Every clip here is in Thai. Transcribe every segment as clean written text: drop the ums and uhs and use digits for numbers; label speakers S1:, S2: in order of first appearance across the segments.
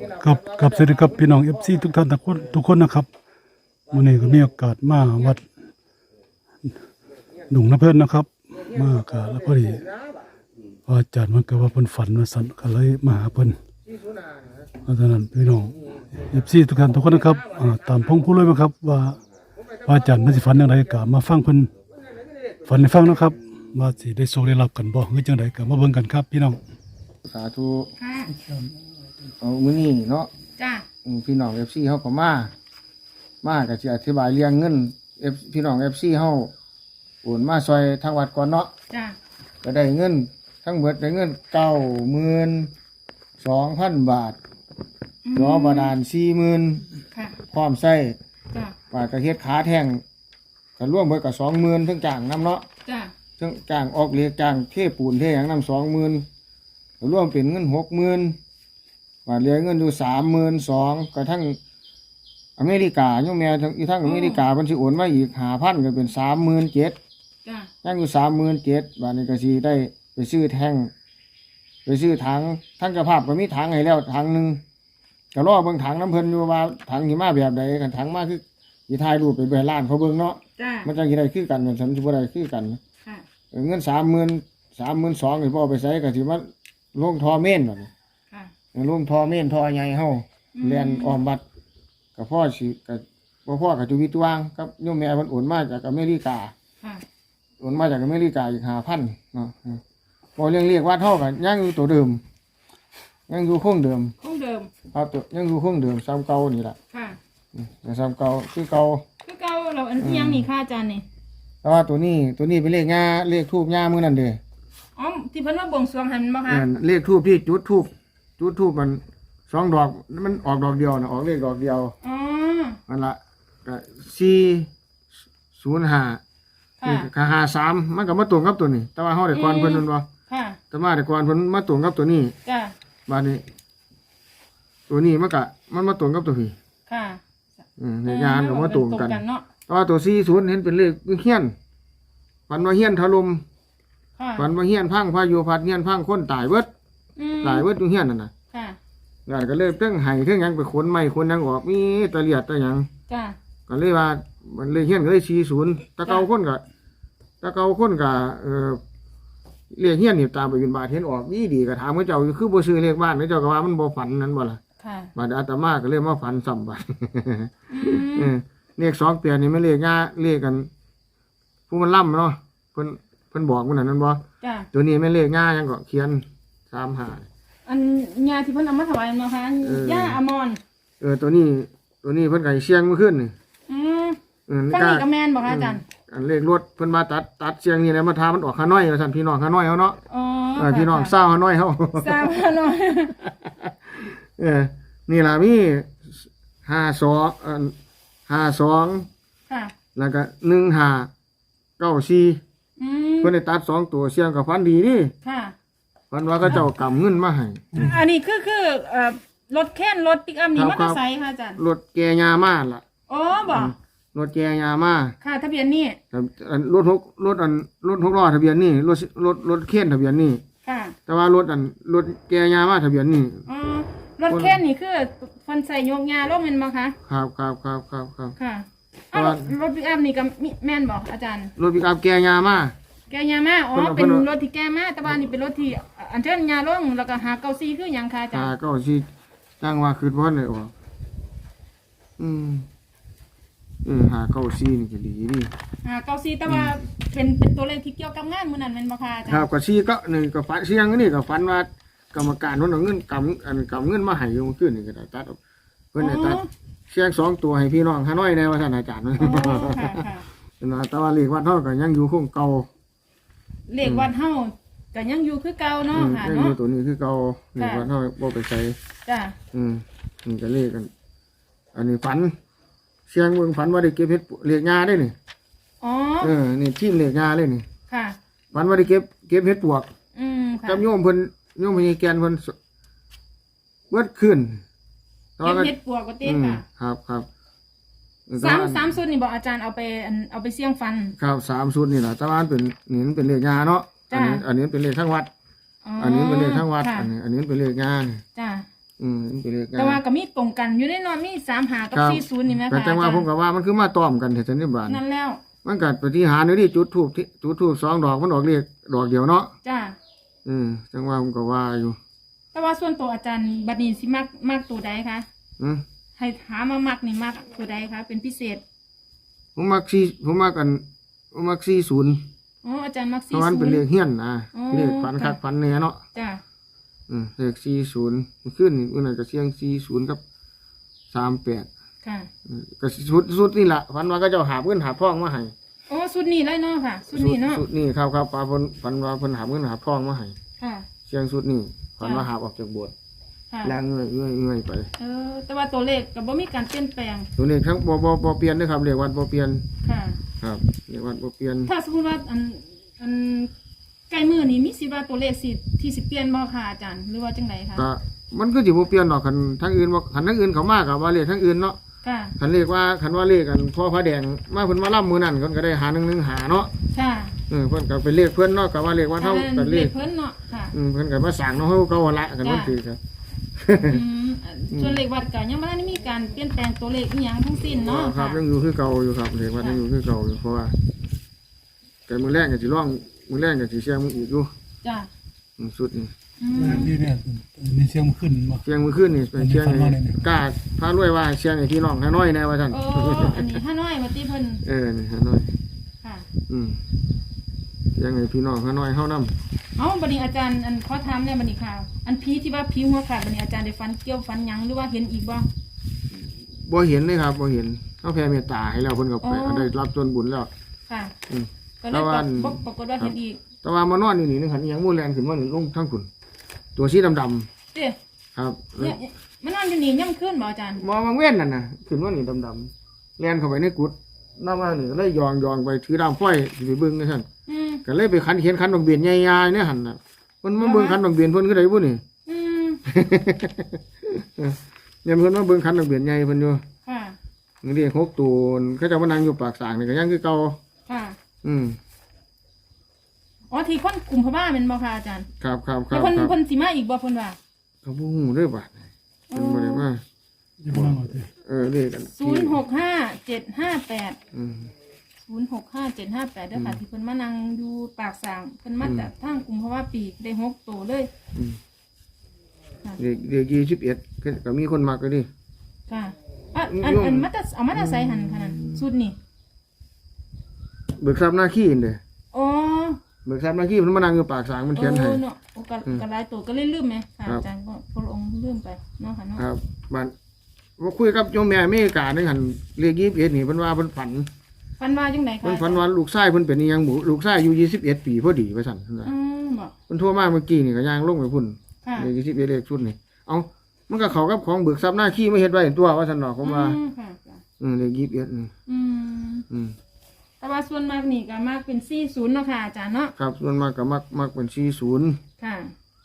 S1: กับสวัสดีครับพี่น้องFCทุกท่านทุกคนนะครับวันนี้ก็มีโอกาสมาวัดหนุ่งน้ำเพิ่นนะครับมากะแล้วพอดีอาจารย์มันก็ว่าเพิ่นฝันว่าสั่นก็เลยมาหาเพิ่นเพราะฉะนั้นพี่น้องFCทุกท่านทุกคนนะครับตามพงผู้เลยมั้งครับว่าอาจารย์มันสิฝันจังไดก็มาฟังเพิ่นฝันให้ฟังนะครับว่าสิได้โชคได้รับกันบ่หรือจังไดก็มาเบิ่งกันครับพี่น้อง
S2: สาธุ
S3: ค่ะ
S2: เอามื้อนี้เนาะ
S3: จ้า
S2: พี่น้อง FC เฮาก็มาก็สิอธิบายเรื่องเงินพี่น้อง FC เฮาโอนมาซอยทางวัดก่อนเนาะ
S3: จ้า
S2: ก็ได้เงินทั้งหมดได้เงิน 92,000 บาทรอบาดาล 40,000
S3: ค่ะ
S2: พร้อมใช้
S3: จ้า
S2: บาทก็เฮ็ดขาแท่งก็รวมเบิดก็20,000ทั้งจ้างนำเนาะ
S3: จ้า
S2: ทั้งจ้างออกเหล็กจ้างเทปูนเทหยังนำ20,000ก็รวมเป็นเงิน 60,000บาทเหลือเงินอยู่32,000ก็ทั้งอเมริกาโยมแม่ทั้งอเมริกาเพิ่นสิโอนมาอีก 5,000 ก็เป็น 37,000
S3: จ้า
S2: ยังอยู่ 37,000 บาทนี้ก็สิได้ไปซื้อแท่งไปซื้อถังทั้งเจ้าภาพก็มีถังให้แล้วถังนึงก็รอเบิ่งถังน้ำเพิ่นอยู่ว่าถังสิมาแบบใดกันถังมาคือสิถ่ายรูปไปร้านเขาเบิ่งเนาะ
S3: จ้า
S2: มันจังสิได้คือกันมันสิบ่ได้คือกัน
S3: ค่ะ
S2: เงิน 32,000 นี่พ่อไปใช้ก็สิมาลงท่อเม่นบัดนี้
S3: ค่ะ
S2: ลงท่อเม่นท่อใหญ่เฮาแล่นอ้อมบัดก็พ่อสิก็บ่พ่อก็จุวิตวางกับโยมแม่เพิ่นโอนมาจากอเมริกา
S3: ค่ะ
S2: โอนมาจากอเมริกาอีก 5,000 เนาะพอเรียกว่าเท่ากันยังอยู่ตัวเดิมยังอยู่คงเดิมครับตัวยังอยู่คงเดิมซ้ำเก่านี่ล่ะ
S3: ค่ะ
S2: ซ้ำเก่าคือเก่า
S3: เราอันยังนี่ค่ะอาจารย์นี่
S2: แต่ว่าตัวนี้เป็นเลขง่าเลขทูบง่ามื้อนั้นเด้
S3: อ๋อที่เพิ่นว่าบวงสรวงหั่นบ่คะ
S2: เลขทูบที่จุดทูบมัน2 ดอกมันออกดอกเดียวนะออกเลขดอกเดียว
S3: อ๋อ
S2: นั่นล่ะก็405นี่ก็53มันก็มาตรงกับตัวนี้แต่ว่าเฮาได้ก่อนเพิ่นนั่นบ่
S3: ค่ะ
S2: แต่มาได้ก่อนเพิ่นมาตรงกับตัวนี้
S3: จ้ะ
S2: บัดนี้ตัวนี้มันมาตรงกับตัวพี่
S3: ค่ะ
S2: ในงานก็มาตรงกันแต่ว่าตัว40เห็นเป็นเลขเฮียนฝันว่าเฮียนถล่มฝันว่าเฮียนพังพายุพัดเฮียนพังคนตายเบิดอยู่เฮียนนั่นน่ะ
S3: ค่ะ
S2: งานก็เลยเรื่องไห้เรื่องหยังไปขนไม้ขนหยังออกมีตะเลียดตะหยัง
S3: จ้ะ
S2: ก็เลยว่ามันเลยเฮียนก็เลย40ตะเกาคนก็เรียกเฮียนนี่ตามไปบิณฑบาตเห็นออกดีก็ถามเขาเจ้าคือบ่ซื้อเลขบ้านเขาเจ้าก็ว่ามันบ่ฝันนั้นบ่ล่ะ
S3: ค่ะ
S2: บัดอาตมาก็เลยมาฝันซ้ำบัดเลข2เปลี่ยนนี่มันเลขง่าเลขกันผู้มันล่ำเนาะเพิ่นบอกมันนั่นบ่
S3: จ้ะ
S2: ตัวนี้แม่นเลขง่ายังก็เขียน35
S3: อันยาที่เพิ่นเอามาถวายเนาะค่ะย่าอมร
S2: ตัวนี้เพิ่นก็เสียงเมื่อคืนนี่
S3: ฟังนี่ก็แม่นบ่คะอาจารย์
S2: อันเลขรถเพิ่นมาตัดเสียงนี่แหละมาทามันออกข้าน้อยว่าซั่นพี่น้องข้าน้อยเฮาเนาะพี่น้องเศร้าข้าน้อยเฮา
S3: เศร้าข้าน้อย
S2: นี่ล่ะมี52
S3: ค่ะ
S2: แล้วก็1594เพิ่นได้ตัด2ตัวเสียงก็ฟันดีนี่
S3: ค่ะ
S2: ฟันว่าเขาเจ้ากำเงินมาให้
S3: อันนี้คือรถแค้นรถปิกอัพนี่มอเตอร์ไซค์ค่ะอาจารย์
S2: รถแกยามาล่ะ
S3: อ๋อบ่
S2: รถแกยามา
S3: ค่ะทะเบียนนี่
S2: รถ6ล้อทะเบียนนี่รถเข็นทะเบียนนี่
S3: ค่ะ
S2: แต่ว่ารถแกยามาทะเบียนนี่
S3: อ๋อรถแค้นนี่คือฟันใส่ยกยาลงแม่นบ่คะ
S2: ครับ
S3: ค่ะรถปิกอัพนี่ก็แม่นบ่อาจารย์
S2: รถปิกอัพแกยามา
S3: อ๋อเป็นรถที่แกมาแต่ว่านี่เป็นรถที่อันเชิญยาลงแล้วก็หาเก้าซี่คือหยังค่ะอาจารย์
S2: หาเก้าซี่จังว่าคือบ่ได้ออกหาเก้าซี่นี่ก็ดีนี่
S3: หาเก้าซี่แต่ว่าเป็นตัวเลขที่เกี่ยวกับงานมื้อนั้นแม่นบ่ค่ะอาจารย์
S2: ครับก็ซี่ก็นี่ก็ฝันเสียงนี่ก็ฝันว่ากรรมการเพิ่นเอาเงินกำเงินมาให้อยู่มื้อคืนนี่ก็ได้ตัดเพิ่นได้ตัดเสียง2ตัวให้พี่น้องข้าน้อยแน่ว่าท่านอาจารย์ค่ะแต่ว่าเลขวัดเฮาก็ยังอยู่คงเก่า
S3: เลขวัดเฮาก็ยังอยู่คือเก่าเนาะค่ะเนาะ
S2: ตัวนี้คือเก่าเลขวัดเฮาบ่ไปใส่
S3: จ้ะ
S2: นี่ก็เลขกันอันนี้ฝันเสียงเบิ่งฝันว่าได้เก็บเฮ็ดเลขงาได้นี่
S3: อ๋อ
S2: นี่ทีมเลขงาเลยนี่
S3: ค่ะ
S2: ฝันว่าได้เก็บเฮ็ดปวก
S3: ค่ะ
S2: กับโยมเพิ่นแกนเพิ่นเบิดขึ้น
S3: เก็บเฮ็ดปวกก็เต้
S2: ค่ะครับ
S3: 3ชุดนี่บอกอาจารย์เอาไปเสี่ยงฟัน
S2: ครับ3ชุดนี่แหละแต่ว่ามันเป็นเลขงาเนาะอันนี้เป็นเลขข้างวัดอันนี้เป็นเลขข้างวัดอันนี้เป็นเลขงา
S3: จ้า
S2: มันเป็นเลข
S3: แต่ว่าก็มีตรงกันอยู่ในนอนมี35กับ40นี่แหม
S2: แต่
S3: ค่ะ
S2: จังว่าผมก็ว่ามันคือมาต้อมกันแท้ๆนี่บาด
S3: นั่นแล้ว
S2: มันก็ปฏิหารย์อยู่ที่จุดธูป2ดอกมันออกเลขดอกเดียวเนาะ
S3: จ้า
S2: จังว่าผมก็ว่าอยู่
S3: แต่ว่าส่วนตัวอาจารย์บัดนี้สิมักตัวใดคะ
S2: อืม
S3: ให้ถามมามักนี่มักตัวใดคะเป็นพิเศษ
S2: ผมมัก40
S3: อ๋ออาจารย์มัก
S2: เพราะมันเป็นเลข
S3: 40
S2: เฮี้ยนนะ
S3: อ๋อ
S2: เลขฝันคักฝันแน่เนาะ
S3: จ้า
S2: เลข40มันขึ้นนี่มันก็เสียง40กับ38
S3: ค่ะ
S2: ก็สุดนี่ล่ะฝันว่าก็เจ้าหาบเงินหาบทองมาให้
S3: อ๋อสุดนี้เลยเนาะค่ะสุดนี้เนาะ
S2: สุดนี่ครับปลาเพิ่นฝันว่าเพิ่นหาบเงินหาบทองมาให้
S3: ค่ะ
S2: เสียงสุดนี่ฝันว่าหาบออกจากโบสถ์
S3: ค่ะ
S2: แล้วเงื่อยไป
S3: แต่ว่าตัวเลขก็บ่มีการเปลี่ยนแปลง
S2: ตัวนี้ทั้งบ่เปลี่ยนนะครับเลขวัดบ่เปลี่ยน
S3: ค่ะ
S2: ครับเลขวัดบ่เปลี่ยน
S3: ถ้าสมมติว่าอันใกล้มือนี้มีสิว่าตัวเลขสิที่สิเปลี่ยนบ่ค่ะอาจารย์หรือว่าจังไดคะ
S2: ก็มันก็สิบ่เปลี่ยนดอกคันทั้งอื่นบ่คันทั้งอื่นเขามาก็ว่าเลขทั้งอื่นเนาะ
S3: ค่ะ
S2: คันเลขกันพ่อพระแดงมาเพิ่นมาล่ำมื้อนั้นเพิ่นก็ได้หา1หาเนาะ
S3: ค่ะ
S2: เพิ่นก็เป็นเลขเพิ่นเนาะก็ว่าเลขว่าเท่ากันเลข
S3: เพิ่นเนาะค่ะ
S2: เพิ่นก็มาสั่งเนาะเฮาก็ว่าละกันมันคือครับ
S3: ส่วนเลขวัดก็ยังบ่ได้มีการเปลี่ยนแปลงตัวเลขอีหยังทั้งสิ้นเนาะ
S2: ครับ
S3: ค่ะ
S2: ยังอยู่คือเก่าอยู่ครับเลขวัดยังอยู่คือเก่าอยู่เพราะว่าแต่มื้อแรกก็สิร้องมื้อแรกก็สิเสียงมึงอีกอยู่
S3: จ้ะ
S2: สุดนี่
S1: นี่เนี่ยมีเสียงขึ้นมา
S2: เสียงมื้อคืนนี่เป็นเสียง
S1: อันนี้ฟังมาเลยนี่
S2: กล้าพารวยว่าเสียงไอ้พี่น้องฮานอยแน่ว่าซั่น
S3: โอ้อันนี้ห้าน้อยมาติเพิ่น
S2: นี่ฮานอย
S3: ค่ะ
S2: เสียงไอ้พี่น้องฮานอยเฮานำ
S3: เอ้าบัดนี้อาจารย์อันขอถามแน่บัดนี้ค่ะ อันผีที่ว่าผีหัวขาดบัดนี้อาจารย์ได้ฟันเกี่ยวฟันหยังหรือว่าเห็นอีกบ่
S2: บ่เห็นเลยครับบ่เห็นเฮาแผ่เมตตาให้แล้วเพิ่นก็ไปได้รับส่วนบุญแล้ว
S3: ค่ะ
S2: อืม
S3: ก็เลย
S2: แต่ว่า
S3: ปรากฏว่าเห็นอีก
S2: แต่ว่ามานอนอยู่นี่นึงหันอีหยังมู่แลนขึ้นมานี่ลงทั้งคุณตัวสีดำ
S3: เด้
S2: ๆครับ
S3: เนี่ยมันนอนอยู่นี่ย่ำขึ้นบ่อาจารย์
S2: มองมาเว้นนั่นน่ะขึ้นมานี่ดำๆแลนเข้าไปในกุฏน้ำมานี่ก็เลยยองไปถือดามฝ้อยสิไปเบิ่งนี่ซั่น
S3: อืม
S2: ก็เลยไปเห็นคันดอกเบี้ยใหญ่ๆเนี่ยหั่นน่ะเพิ่นมาเบิ่งคันดอกเบี้ยเพิ่นคือไดบ่นี่
S3: อืม
S2: เนี่ยเพิ่นมาเบิ่งคันดอกเบี้ยใหญ่เพิ่นอยู่
S3: ค่ะ
S2: นี่เรียก6ตัวเขาเจะมานั่งอยู่ปากสางนี่ก็ยังคือเก่า
S3: ค่ะ
S2: อืม
S3: อ๋อที่คนกลุ่มพม่าเป็นบ่ค่ะอาจารย์
S2: ครับ
S3: แล้วเพิ่นสิมาอีกบ่เพิ่นว่า
S2: เขาบ่ฮู้เด้อบาดเพิ่นบ่ได้มา
S1: อยู่บ้านเราที
S2: เรียกกัน
S3: 065758
S2: อืม
S3: 065758เด้อค่ะที่เพิ่นมานั่งอยู่ปากสางเพิ่นมาจากทางกลุ่มพม่าปีกได้6ตัวเลย
S2: เด็ก21ก็มีคนมักก็ดิ
S3: ค่ะอันมาแต่เอามาแต่ใส่หันขนาดสุดนี่
S2: เบิกทรัพย์หน้าขี้นี่เด้
S3: อ๋อ
S2: เบิกทรัพย์หน้าขี้มันมานั่งอยู่ปากสางมันเขียนให้
S3: เนาะโอ้ก็หลายตัวก็เลยลืมไหมค่ะอาจารย์ก็พระองค์ลืมไปเนาะค่ะเนาะ
S2: ครับบ้านว่าคุยกับโยมแม่อเมริกานึงหันเลข21นี่เพิ่นว่าเพิ่นฝัน
S3: ฟันว่าจังได๋ค่ะ
S2: เพิ่นฝันว่าลูกชายเพิ่นเป็นอีหยังหมู่ลูกชายอายุ21ปีพอดีว่าซั่นเพิ่นว่า
S3: บอก
S2: เพิ่นโทรมาเมื่อกี้นี่ก็ย่างลงไปพุ่น
S3: ค่ะ
S2: เลข21เลขชุดนี่เอ้ามันก็เข้ากับของเบิกทรัพย์หน้าขี้ไม่เฮ็ดไว้ตัวว่าซั่นเนาะผมว่า
S3: ค่ะค่ะ
S2: เลข21นี่
S3: อืมแต่ว่าส่วนมากนี่ก็มากเป็น40เนาะค่ะอาจารย์เนาะ
S2: ครับส่วนมากก็มักเป็น40
S3: ค่ะ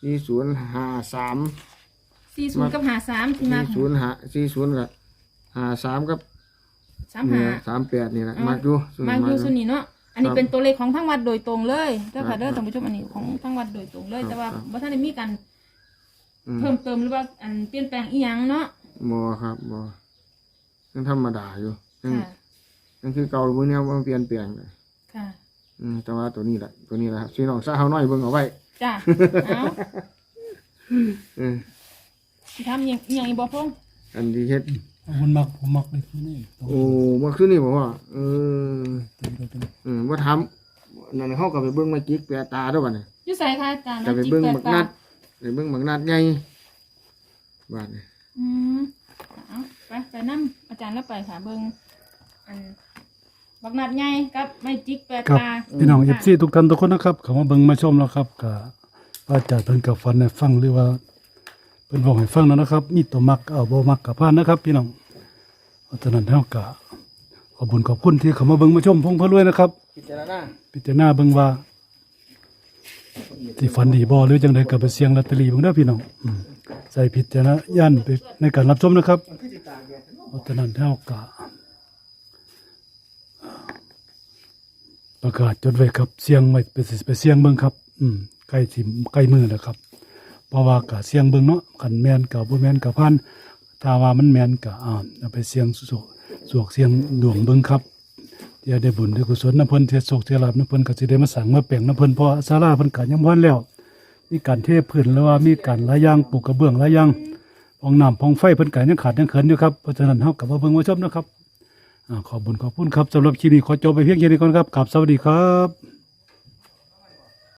S2: 4053
S3: 40กับ53ที่มาก
S2: 40กับ53กับ38นี่แหละมักอยู่ส่วน
S3: มากอยู่ส่วนนี้เนาะอันนี้
S2: ครับ
S3: เป็นตัวเลขของทั้งวัดโดยตรงเลยเด้อ
S2: ครั
S3: ค่ะ
S2: บ
S3: เด้อท่านผู้ชมอันนี้ของทั้งวัดโดยตรงเลย
S2: ครับ
S3: แต่ว่า
S2: ครับ
S3: บ่ทันได้มีการ
S2: อืม
S3: เพิ่มเติมหรือว่าอันเปลี่ยนแปลงอีหยังเนาะ
S2: บ่ครับบ่ยังธรรมดาอยู่ยัง
S3: ค่ะ
S2: ยังคือเก่าบ่เนี่ยบ่เปลี่ยนแปลงเลย
S3: ค่ะ
S2: แต่ว่าตัวนี้แหละครับพี่น้องซะเฮาน้อยเบิ่งเอาไว้
S3: จ้ะเอา
S2: เออ
S3: สิทำอิหยังอีกบ่พงษ์
S2: อันที่เฮ็ด
S1: ผมมักเลยนี่ตรง
S2: โอ้บ่คือนี่บ่ว่า
S1: ตัว
S2: บ่ถามนั่นเฮาก็ไปเบิ่งมาจิกแปะตาเด้อบัดนี้
S3: อยู่ไสคะอาจารย์
S2: ก็ไป
S3: จิก
S2: เบิ่ง
S3: แป
S2: บัก
S3: ตา
S2: นัดไปเบิ่งบักนัดใหญ่บาดนี้
S3: อืมเอาไปนำอาจารย์แล้วไปค่ะเบิ่งอันบักนัดใหญ่กับไม้จิกแปด
S1: ครับ
S3: ตา
S1: พี่น้อง FC ทุกท่านทุกคนนะครับเข้ามาเบิ่งมาชมแล้วครับก็อาจารย์เพิ่นก็ฝันให้ฟังหรือว่าเพิ่นบอกให้ฟังแล้วนะครับ มีตัวมักเอาบ่มักก็ผ่านนะครับ พี่น้องเพราะฉะนั้นเฮาก็ขอบคุญขอบคุณที่เข้ามาเบิ่งมาชมพงเพิ่นรวยนะครับ
S2: พิจารณา
S1: พิจารณาเบิ่งว่าสิฝันดีบ่หรือจังไดก็ไปเสี่ยงลอตเตอรี่เบิ่งเด้อพี่น้องใส่พิจารณญาณไปในการรับชมนะครับเพราะฉะนั้นเฮาก็ประกาศจดไว้ครับเสียงไว้ไปเสียงเบิ่งครับใกล้มือแล้วครับเพราะว่าก็เสี่ยงเบิ่งเนาะคันแม่นก็บ่แม่นก็ผ่านถ้าว่ามันแม่นก็เอาไปเสี่ยงสวกเสี่ยงดวงเบิ่งครับเดี๋ยวได้บุญได้กุศลนำเพิ่นเทศโศกเทศลาภนำเพิ่นก็สิได้มาสร้างมาแปลงนำเพิ่นเพราะศาลาเพิ่นก็ยังบ่ทันแล้วมีการเทพื้นแล้วว่ามีการหลายอย่างปลูกกระเบื้องหลายอย่างห้องน้ำห้องไฟเพิ่นก็ยังขาดยังเขินอยู่ครับเพราะฉะนั้นเฮาก็มาเบิ่งมาชมนะครับขอบคุญขอบคุณครับสำหรับคลิปนี้ขอจบไปเพียงแค่นี้ก่อนครับกราบสวัสดีครับ